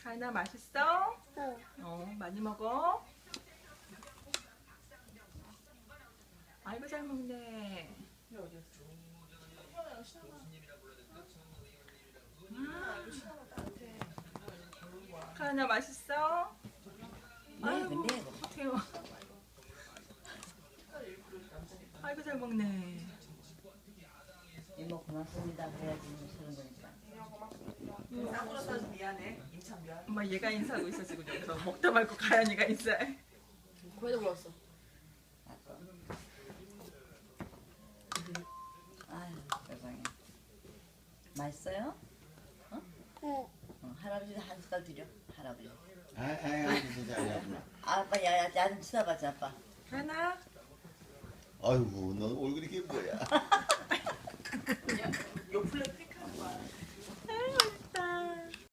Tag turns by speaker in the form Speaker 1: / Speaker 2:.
Speaker 1: 가인아 맛있어?
Speaker 2: 응.
Speaker 1: 많이 먹어? 아이고 잘 먹네. 가인아 맛있어? 아이고
Speaker 3: 근데
Speaker 1: 태워. 아이고 잘 먹네.
Speaker 3: 이모 고맙습니다. 그래야지 이모 사는 거니까.
Speaker 4: 쌍으로 써서 미안해. 인천 미안.
Speaker 1: 엄마 얘가 인사하고 있어 지금 여기서 먹다 말고 가연이가 인사해.
Speaker 5: 거기다 불었어.
Speaker 3: 아유 세상에. 맛있어요? 어?
Speaker 2: 응.
Speaker 3: 할아버지 한 숟갈 드려. 할아버지.
Speaker 6: 아이 진짜 아니야.
Speaker 3: 아빠 야좀 쳐다봐줘 아빠.
Speaker 1: 가연아
Speaker 6: 아이고 너 얼굴이 이게 뭐야?